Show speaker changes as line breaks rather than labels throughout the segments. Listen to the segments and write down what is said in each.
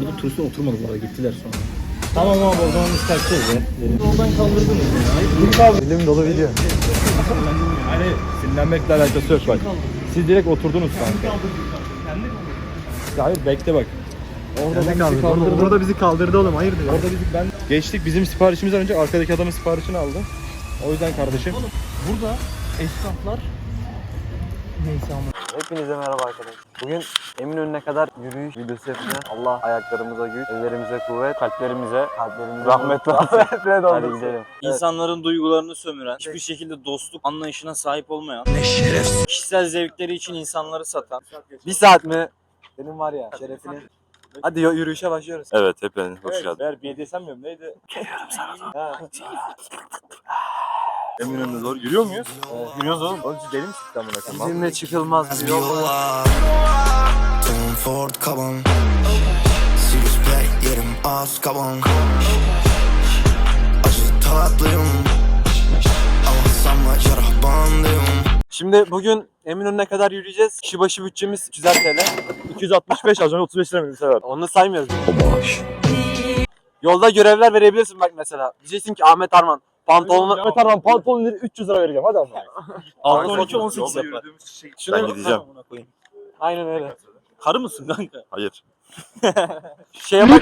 Orada turistler oturmadı bu arada, gittiler sonra. Tamam abi, o zaman biz kaçacağız ya. Yoldan kaldırdınız ya. Kim kaldırdı?
Dilim dolu video.
Hani sinirlenmekle alakası yok bak. Siz direkt oturdunuz kanka. Hayır bekle bak.
Orada bizi kaldırdı oğlum, hayırdır ya.
Orada ben geçtik, bizim siparişimizden önce arkadaki adamın siparişini aldı. O yüzden kardeşim. Burada esnaflar neyse ama.
Hepinize merhaba arkadaşlar. Bugün Eminönü'ne kadar yürüyüş videosu yapacağız. Allah ayaklarımıza güç, ellerimize kuvvet, kalplerimize rahmet versin. Hadi gidelim.
İnsanların duygularını sömüren, hiçbir şekilde dostluk anlayışına sahip olmayan, kişisel zevkleri için insanları satan.
Bir saat mi? Senin var ya şerefine. Hadi yürüyüşe başlıyoruz.
Evet, hepiniz hoş geldiniz.
Eğer BDSM miyim neydi?
Geliyorum sana da.
Ha.
Eminönü'ne doğru yürüyor muyuz?
Yürüyoruz oğlum. Oğlum siz deli misiniz lan buna?
Bizimle çıkılmaz bir yol.
Tom Ford kaban, Sirius Black yerim az kaban. Acı tatlıyım ama sanma yarah bandıyım.
Şimdi bugün Eminönü'ne kadar yürüyeceğiz. Kişi başı bütçemiz 300 TL.
265 az önce 35 lira mı bir sefer?
Onu saymıyoruz. Yolda görevler verebilirsin bak mesela. Diyeceksin ki Ahmet Arman pantolonu...
Ahmet Arman pantolonları 300 lira vereceğim hadi ama.
6-12-18
Yolda
yapar.
Ben gideceğim.
Aynen öyle.
Karı mısın kanka?
Hayır.
Şey yapalım.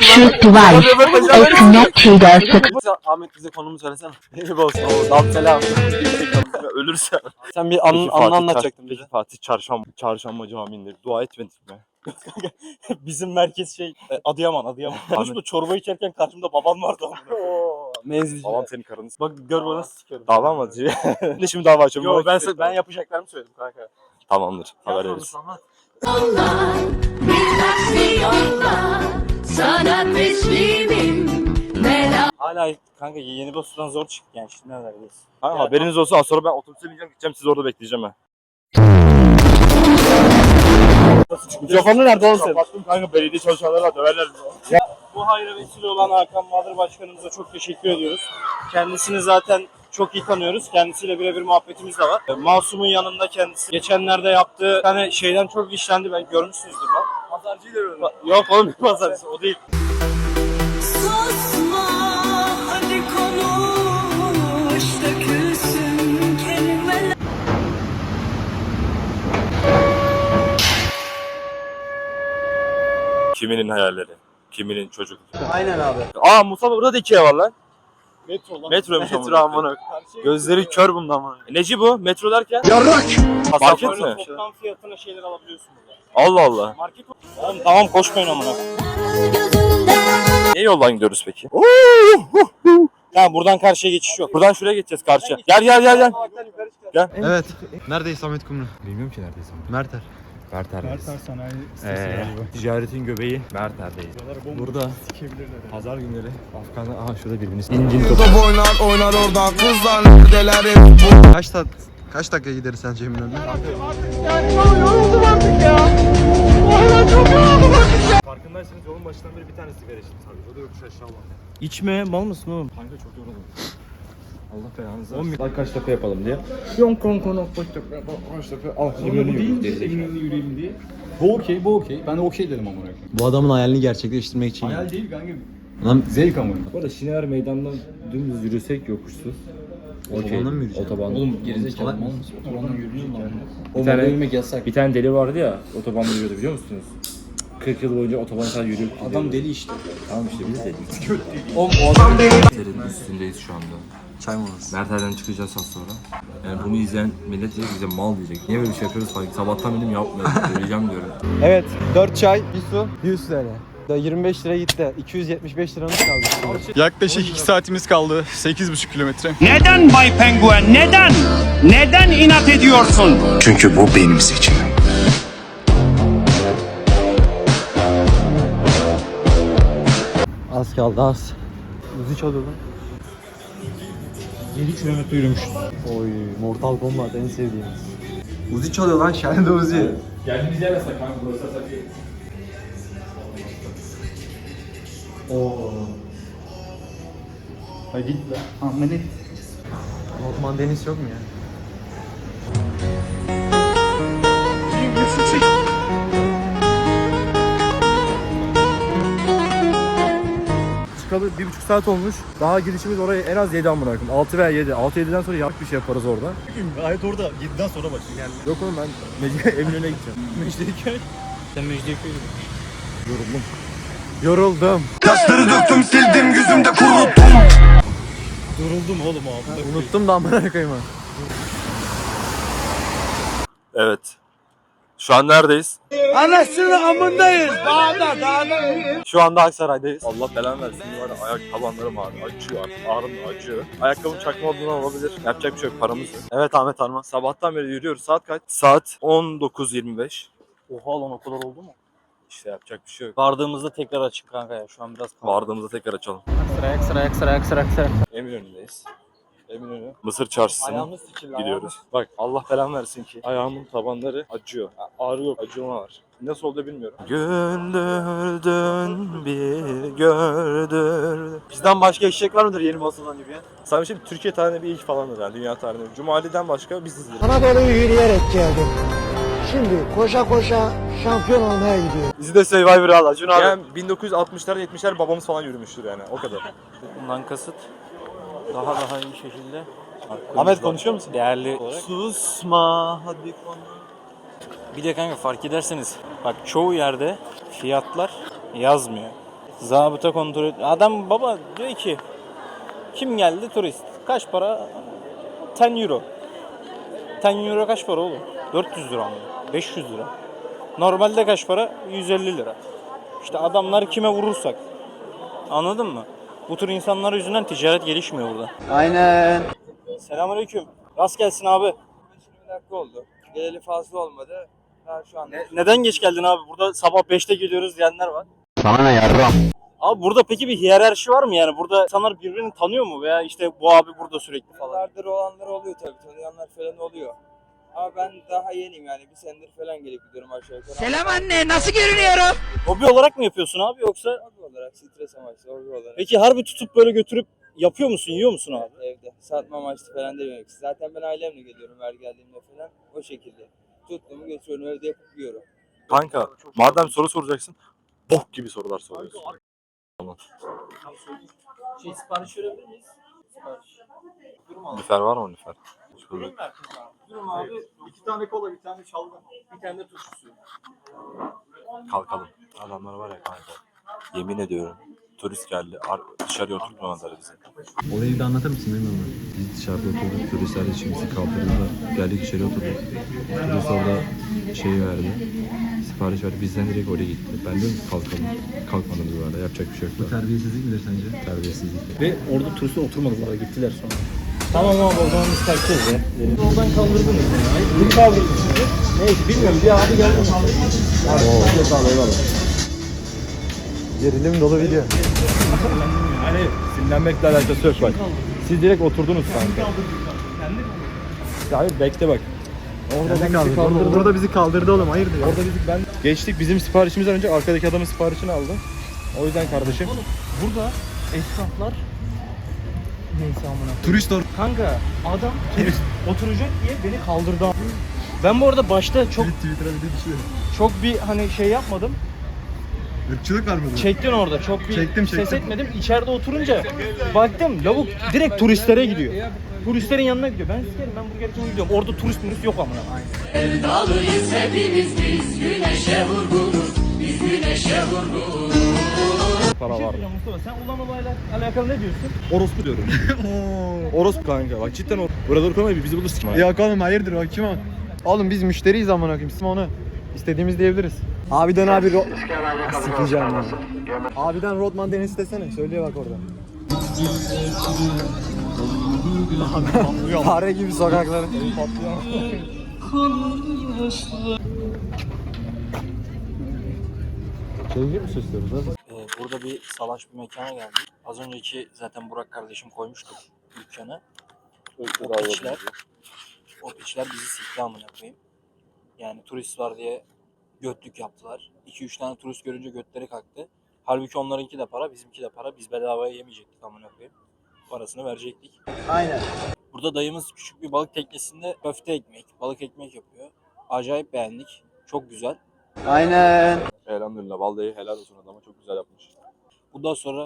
Ahmet bize konumu söylesene. Eyüp olsun. Dal selam.
Ölürse.
Sen bir anını anlatacaktın bize.
Peki Fatih Çarşamba Camii'nde dua etmedik mi?
Bizim merkez Adıyaman. Konuşma, çorba içerken karşımda babam vardı ama.
Menzilci.
Babam senin karını
Bak gör bana sikerim.
dava mı atıyor? Ne şimdi dava açıyorum?
Yo ben yapacaklarımı söyledim kanka.
Tamamdır. Haber veririz.
Yollar, bir yollar, sana teslimim.
Hala kanka yeni dosttan zor çıktı yani, şimdi neredeyiz?
Ha, haberiniz olsun, az sonra ben otobüse bineceğim, gideceğim, siz orada bekleyeceğim ha.
Mikrofonu nerede oğlum senin?
Kapattım kanka, belediye çalışanları döverler bizi.
Bu hayra vesile olan Hakan Bahadır Başkanımıza çok teşekkür ediyoruz. Kendisini zaten çok iyi tanıyoruz. Kendisiyle birebir muhabbetimiz de var. Masum'un yanında kendisi. Geçenlerde yaptığı hani şeyden çok işlendi, ben görmüşsünüzdür lan.
Pazarcıyı dövüyorum.
Yok oğlum, bir pazarcısı o değil.
Susma, hadi konuş, dökülsün kelimeler.
Kiminin hayalleri, kiminin çocuk.
Aynen abi.
Aa Mustafa, burada da Ikea var lan.
Metro lan.
Metroymuş
Metro amına. Gözleri kör bundan amına.
Neci bu? Metro derken?
Market
Market mi?
Toplam fiyatına şeyler alabiliyorsun burada.
Allah Allah.
Market oğlum tamam, koşmayın amına.
Ne yoldan gidiyoruz peki?
Tamam, buradan karşıya geçiş yok.
Buradan şuraya geçeceğiz karşıya. Gel.
Evet. Neredeyiz Samet Kumru?
Bilmiyorum ki neredeyiz ama.
Merter.
Merter'deyiz. Sanayi ticaretin göbeği Merter'deyiz. Burada pazar günleri Afganlar, aha şurada birbirini incini top.
Oynar orada kızlar neredelerim.
Kaç dakika gideriz sence Eminönü'ne?
Farkındaysanız yolun başından beri bir tane sigara içtim sadece. O da yokuş aşağı olan. İçme, mal mısın oğlum? Kanka çok yoruldum. Allah belanızı versin. 10 kaç dakika yapalım diye. Yon kon kaç dakika. Al Eminönü yürüyelim diye. Bu okey. Ben de okey dedim amına koyayım.
Bu adamın hayalini gerçekleştirmek için.
Hayal değil kanka.
Lan
Zevk amına. Bu arada Şinever Meydanı'ndan dümdüz yürüsek yokuşsuz.
Otobandan mı yürüyeceğim?
Oğlum gerizekalı mal mısın? Otobandan yürüyor mu?
O tane yürümek yasak.
Bir tane deli vardı ya, otobanda yürüyordu biliyor musunuz? 40 yıl boyunca otobanda sadece yürüyor.
Adam deli işte.
Tamam işte biz de deli.
O adam deli.
Merter'in üstündeyiz şu anda.
Çay molası.
Merter'den çıkacağız az sonra. Yani bunu izleyen millet diyecek, bize mal diyecek. Niye böyle bir şey yapıyoruz falan. Sabahtan benim yapmıyorum. Söyleyeceğim diyorum.
Evet. 4 çay, bir su, 100 TL. 25 lira gitti. 275 liramız kaldı.
Yaklaşık 2 saatimiz kaldı. 8,5 kilometre.
Neden Bay Penguen? Neden? Neden inat ediyorsun?
Çünkü bu benim seçimim.
Az kaldı az. Uzi çalıyor lan.
7 kilometre yürümüş.
Oy, Mortal Kombat en sevdiğimiz. Uzi çalıyor lan, Şahane Uzi.
Geldiğimiz yer yasak kanka, burası yasak değil. Hadi git lan. Ahmet.
Lokman Deniz yok mu ya?
çıkalı 1,5 saat olmuş. Daha gidişimiz oraya en az 7 amına koyayım. 6 veya 7. 6-7'den sonra yanlış bir şey yaparız orada.
Gayet orada 7'den sonra başlıyor yani.
Yok oğlum ben Eminönü'ne gideceğim.
Mecidiyeköy. Sen Mecidiyeköy'de.
Yoruldum.
Yaşları döktüm sildim yüzümde kuruttum.
Duruldum oğlum abi.
Unuttum da amına koyayım.
Evet. Şu an neredeyiz?
Anasını amındayız. Dağda.
Şu anda Aksaray'dayız. Allah belanı versin. Var ya, ayak tabanlarım ağrıyor. Acıyor. Ağrım acıyor. Ayakkabım çakma olduğundan olabilir. Yapacak bir şey yok. Paramız yok. Evet Ahmet Arman. Sabahtan beri yürüyoruz. Saat kaç? Saat 19.25.
Oha lan o kadar oldu mu?
İşte yapacak bir şey yok.
Vardığımızda tekrar açık kanka ya. Şu an biraz kaldı.
Vardığımızda tekrar açalım.
Sıra.
Eminönü'ndeyiz. Eminönü. Mısır çarşısına
Ayağımız sıçıldı.
gidiyoruz. Bak Allah belanı versin ki ayağımın tabanları acıyor. Ağrı yok, acıma var. Nasıl oldu bilmiyorum. Güldürdün bir gördürdün. Bizden başka eşek var mıdır yeni basılan gibi ya? Sana bir şey Türkiye tarihinde bir ilk falandır yani dünya tarihinde. Cumali'den başka biziz.
Anadolu'yu yürüyerek geldim. Şimdi koşa koşa şampiyon olmaya gidiyorum.
Bizi de Survivor'a al Acun abi. Yani 1960'lar 70'ler babamız falan yürümüştür yani o kadar.
Bundan kasıt daha iyi şekilde.
Ahmet konuşuyor musun?
Değerli olarak.
Susma hadi konu.
Bir de kanka fark ederseniz bak çoğu yerde fiyatlar yazmıyor. Zabıta kontrol et. Adam baba diyor ki kim geldi turist? Kaç para? 10 euro. 10 euro kaç para oğlum? 400 lira mı? 500 lira. Normalde kaç para? 150 lira. İşte adamlar kime vurursak. Anladın mı? Bu tür insanlar yüzünden ticaret gelişmiyor burada.
Aynen.
Selamünaleyküm. Rast gelsin abi.
20 dakika oldu. Geleli fazla olmadı. Daha şu anda.
Neden geç geldin abi? Burada sabah 5'te geliyoruz diyenler var.
Sana ne yarram?
Abi burada peki bir hiyerarşi var mı yani? Burada insanlar birbirini tanıyor mu? Veya işte bu abi burada sürekli falan.
Yıllardır olanlar oluyor tabii. Tanıyanlar falan oluyor. Ama ben daha yeniyim yani. Bir senedir falan gelip gidiyorum aşağı yukarı.
Selam anne, nasıl görünüyorum?
Hobi olarak mı yapıyorsun abi yoksa?
Hobi olarak, stres amaçlı, hobi olarak.
Peki harbi tutup böyle götürüp yapıyor musun, yiyor musun abi?
Evde. Satma amaçlı falan demiyorum. Zaten ben ailemle geliyorum her geldiğimde falan. O şekilde. Tuttuğumu götürüyorum, evde yapıp yiyorum.
Kanka madem soru soracaksın bok gibi sorular soruyorsun.
Sipariş verebilir miyiz? Sipariş.
Nüfer var mı Nüfer?
Durum abi. 2 tane kola, bir tane şalgam, bir tane de turşu suyu.
Kalkalım. Adamlar var ya kanka. Yemin ediyorum. Turist geldi. Dışarıya oturtmadılar bizi.
Olayı da anlatır mısın bilmiyorum. Biz dışarıda oturduk. Turistler içimizi kaldırdılar. Geldik içeri oturduk. Turist orada şey verdi. Sipariş verdi. Bizden direkt oraya gitti. Ben diyorum ki kalkalım. Kalkmadınız bu arada. Yapacak bir şey yok. Bu terbiyesizlik midir sence? Terbiyesizlik.
Ve orada turistler oturmadılar, gittiler sonra. Tamam abi o zaman biz kaçacağız ya. Yoldan kaldırdınız ya. Kim kaldırdı sizi? Neyse bilmiyorum, bir abi geldi mi?
Gerilim dolu video. Hani sinirlenmekle alakası yok bak. Siz direkt oturdunuz kanka. Ya hayır bekle bak. Orada bizi kaldırdı. Orada bizi kaldırdı oğlum, hayırdır ya. Orada ben geçtik, bizim siparişimizden önce arkadaki adamın siparişini aldı. O yüzden kardeşim.
Burada esnaflar neyse amına.
Turist or.
Kanka adam turist oturacak diye beni kaldırdı. Ben bu arada başta
Twitter'a bir de düşüyor.
çok bir hani şey yapmadım.
Irkçılık var mı?
Çektin orada. Çok bir
Çektim.
ses etmedim. İçeride oturunca baktım lavuk direkt turistlere gidiyor. Turistlerin yanına gidiyor. Ben sikerim, ben burger için gidiyorum. Orada turist yok amına.
Sevdalıyız hepimiz biz güneşe vurgunuz. Biz güneşe vurgunuz.
Para var.
Mustafa sen ulan olayla alakalı ne diyorsun?
Orospu diyorum. Orospu kanka. Bak cidden o. Burada koymayı bizi bulursun.
Yok oğlum hayırdır bak kim o? Oğlum biz müşteriyiz amına koyayım. Biz onu istediğimiz diyebiliriz. Abiden abi sikeceğim ya. Abiden Rodman Deniz istesene. Söylüyor bak orada. Fare gibi sokakları.
Sevgi mi süslüyoruz?
Burada bir salaş bir mekana geldik. Az önceki zaten Burak kardeşim koymuştu dükkanı. O piçler bizi sikti amına koyayım. Yani turist var diye götlük yaptılar. 2-3 tane turist görünce götleri kalktı. Halbuki onlarınki de para, bizimki de para. Biz bedavaya yemeyecektik amına koyayım. Parasını verecektik.
Aynen.
Burada dayımız küçük bir balık teknesinde köfte ekmek, balık ekmek yapıyor. Acayip beğendik. Çok güzel.
Aynen.
Elhamdülillah vallahi helal olsun adama çok güzel yapmış.
Bundan sonra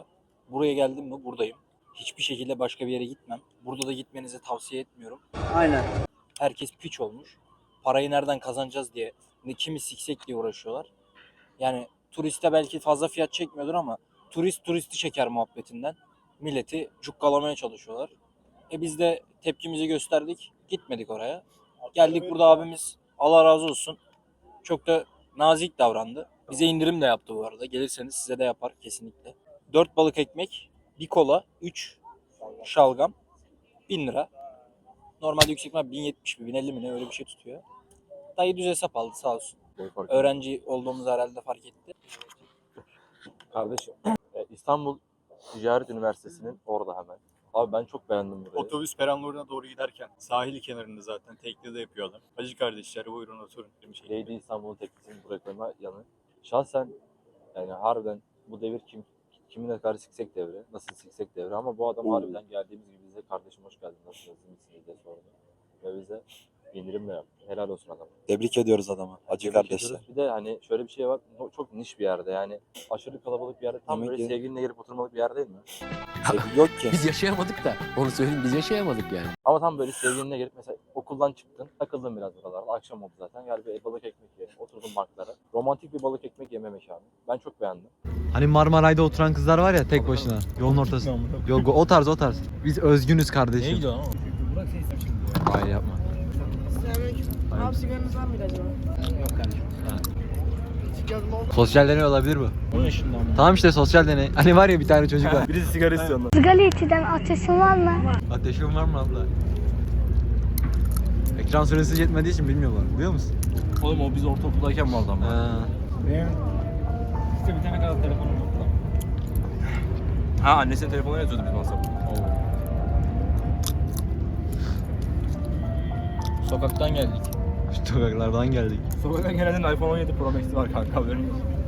Buraya geldim mi buradayım. Hiçbir şekilde başka bir yere gitmem. Burada da gitmenizi tavsiye etmiyorum.
Aynen.
Herkes piç olmuş. Parayı nereden kazanacağız diye, kimi siksek diye uğraşıyorlar. Yani turiste belki fazla fiyat çekmiyordur ama turist turisti çeker muhabbetinden. Milleti cukkalamaya çalışıyorlar. Biz de tepkimizi gösterdik. Gitmedik oraya. Geldik burada abimiz Allah razı olsun. Çok da nazik davrandı. Bize indirim de yaptı bu arada. Gelirseniz size de yapar kesinlikle. 4 balık ekmek, 1 kola, 3 şalgam, 1000 lira. Normalde yüksek ihtimal 1070 mi 1050 mi ne öyle bir şey tutuyor. Dayı düz hesap aldı sağ olsun. Öğrenci olduğumuz herhalde fark etti.
Kardeşim İstanbul Ticaret Üniversitesi'nin orada hemen. Abi ben çok beğendim burayı.
Otobüs peronlarına doğru giderken sahil kenarında zaten teknede yapıyorlar. Hacı kardeşler buyurun oturun.
Lady İstanbul'un teknisinin buraya koyma yanı. Şahsen yani harbiden bu devir kimine karşı siksek devri, nasıl siksek devri ama bu adam harbiden geldiğimiz gibi bize kardeşim hoş geldin, nasılsınız, iyi misiniz diye sordu. Ve bize indirim de yaptı. Helal olsun adam.
Tebrik ediyoruz adamı. Hacı
Tebrik
kardeşler.
ediyoruz. Bir de hani şöyle bir şey var, çok niş bir yerde yani aşırı kalabalık bir yerde, tam
Yemek
böyle
ye-
sevgilinle girip oturmalık bir yer değil mi?
Yok ki.
Biz yaşayamadık da. Onu söyleyeyim biz yaşayamadık yani.
Ama tam böyle sevgilinle gelip mesela okuldan çıktın, takıldın biraz buralarda, akşam oldu zaten, gel bir balık ekmek yiyelim, oturdun banklara. Romantik bir balık ekmek yeme mekanı. Ben çok beğendim.
Hani Marmaray'da oturan kızlar var ya tek başına. Yolun ortasında. Yok o tarz o tarz. Biz özgünüz kardeşim.
Neye gidiyorsun ama?
Hayır yapma.
Abi sigaranız var mıydı acaba?
Sosyal deney olabilir bu.
10 yaşında ama.
Tamam işte sosyal deney. Hani var ya bir tane çocuk var.
Birisi sigara istiyor ondan.
Sigara içiden ateşin var mı?
Ateşin var mı abla? Ekran süresi yetmediği için bilmiyorlar. Biliyor musun?
Oğlum o biz ortaokuldayken vardı ama.
Benim
İşte bir tane kadar telefonum yoktu. Ha annesinin telefonuna yazıyordu biz WhatsApp'ta. Sokaktan geldik.
sokaklardan geldik.
Sokaktan gelenlerin iPhone 17 Pro Max'i var kanka haberin yok.